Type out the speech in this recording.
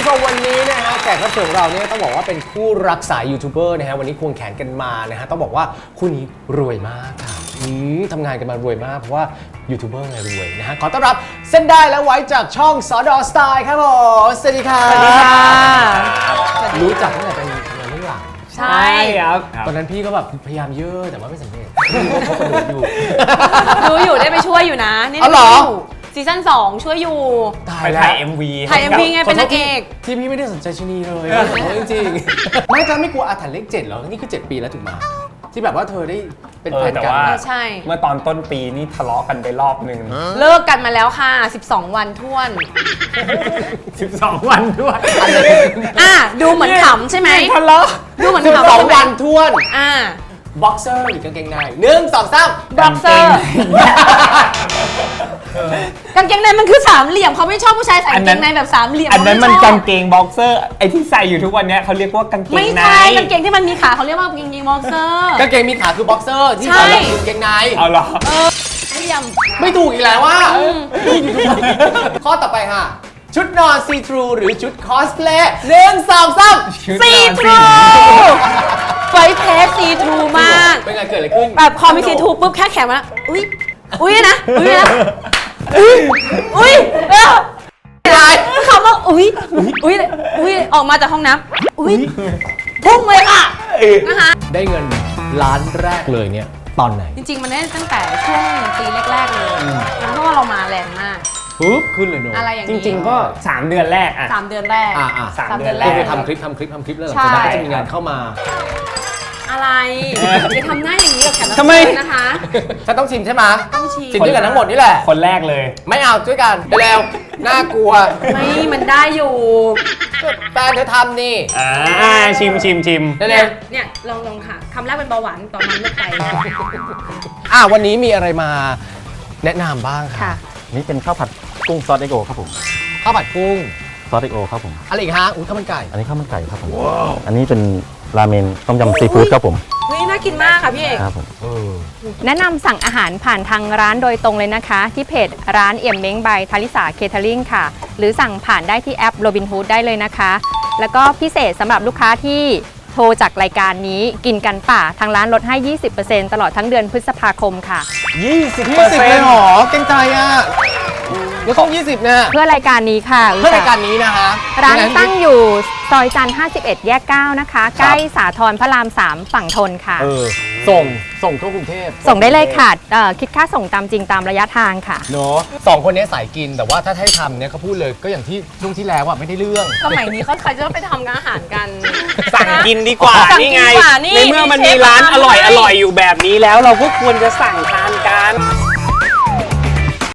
ผู้ชมวันนี้นะฮะแขกรับเชิญของเราเนี่ยต้องบอกว่าเป็นคู่รักสายยูทูบเบอร์นะฮะวันนี้ควงแขนกันมานะฮะต้องบอกว่าคู่นี้รวยมากค่ะทำงานกันมารวยมากเพราะว่ายูทูบเบอร์ไงรวยนะฮะขอต้อนรับเส้นได้และไว้จากช่องสดอสไตล์ครับผมสวัสดีค่ะสวัสดีค่ะรู้จักตั้งแต่เป็นทำงานเรื่องหลังใช่ครับตอนนั้นพี่ก็แบบพยายามเยอะแต่ว่าไม่สำเร็จพี่ก็เขากระโดดอยู่รู้อยู่ได้ไปช่วยอยู่นะนี่เหรอซีซั่น2ช่วยอยู่ไปถ่าย MV ไงเป็นนางเอกที่พี่ไม่ได้สนใจชนีเลยจริงๆไม่ก็ไม่กลัวอาถรรพ์เลข7เหรอนี่คือ7ปีแล้วถูกไหมที่แบบว่าเธอได้เป็นแฟนกันใช่เมื่อตอนต้นปีนี่ทะเลาะกันไปรอบนึงเลิกกันมาแล้วค่ะ12วันท้วน 12วันท้วนดูเหมือนขำใช่ไหมทะเลาะดูเหมือนขำ 12วันท้วนบ็อกเซอร์หรือกางเกงใน1 2 3 บ็อกเซอร์กางเกงในมันคือสามเหลี่ยมเขาไม่ชอบผู้ชายใส่กางเกงในแบบสามเหลี่ยมอันนั้นมันกางเกงบ็อกเซอร์ไอที่ใส่อยู่ทุกวันนี้เขาเรียกว่ากางเกงในไม่ใช่กางเกงที่มันมีขาเขาเรียกว่ากางเกงบ็อกเซอร์กางเกงมีขาคือบ็อกเซอร์ที่ใส่กางเกงในเอาเหรอไม่ถูกอีกแล้วว่าข้อต่อไปค่ะชุดนอนซีทรูหรือชุดคอสเพลย์1 2 3 ซีทรูไฟเพสซีทรูมากเป็นไงเกิดอะไรขึ้นแบบพอมีซีทรูปุ๊บแค่แขนมาอุ้ยนะคำว่าอุ้ยออกมาจากห้องน้ำพุ่งเลยค่ะนะคะได้เงินล้านแรกเลยเนี่ยตอนไหนจริงๆมันได้ตั้งแต่ช่วงปีแรกๆเลยเพราะว่าเรามาแรงมากปุ๊บขึ้นเลยเนอะอะไรอย่างนี้จริงๆก็3เดือนแรก 3เดือนแรก 3เดือนแรกคือทำคลิปแล้วหลังจากนั้นก็จะมีงานเข้ามาอะไรจะทำหน้าอย่างนี้กับแขกรับเชิญนะคะฉันต้องชิมใช่ไหมต้องชิมด้วยกันทั้งหมดนี่แหละคนแรกเลยไม่เอาด้วยกันไปแล้วน่ากลัวไม่มันได้อยู่แฟนเธอทำนี่ชิมเนี่ยลองค่ะคำแรกเป็นเบาหวานตอนนั้นลดไปวันนี้มีอะไรมาแนะนำบ้างค่ะนี่เป็นข้าวผัดกุ้งซอสเอ็กโอครับผมข้าวผัดกุ้งซอสเอ็กโอครับผมอะไรอีกฮะข้าวมันไก่อันนี้ข้าวมันไก่ครับผมอันนี้เป็นราเมนต้มยำซีฟู้ดครับผมน่ากินมากค่ะพี่เอกครับผมแนะนำสั่งอาหารผ่านทางร้านโดยตรงเลยนะคะที่เพจร้านเอี่ยมเม้งบายทาริสาเคเทอริงค่ะหรือสั่งผ่านได้ที่แอปโรบินฮูดได้เลยนะคะแล้วก็พิเศษสำหรับลูกค้าที่โทรจากรายการนี้กินกันป่าทางร้านลดให้ 20% ตลอดทั้งเดือนพฤษภาคมค่ะ 20%เลยหรอเก่งใจอ่ะแล้วต้อง20เนี่ยเพื่อรายการนี้ค่ะเพื่อรายการนี้นะคะร้านตั้งอยู่ซอยจันทร์51แยก9นะคะใกล้สาทรพระราม3ฝั่งทนค่ะส่งทั่วกรุงเทพส่งได้เลยค่ะคิดค่าส่งตามจริงตามระยะทางค่ะเนาะ2คนนี้สายกินแต่ว่าถ้าให้ทำเนี่ยเขาพูดเลยก็อย่างที่ช่วงที่แล้วไม่ได้เรื่องสมัยนี้เขาใครจะไปทำอาหารกันสั่งกินดีกว่านี่ไงในเมื่อมันมีร้านอร่อยอยู่แบบนี้แล้วเราก็ควรจะสั่งทานกัน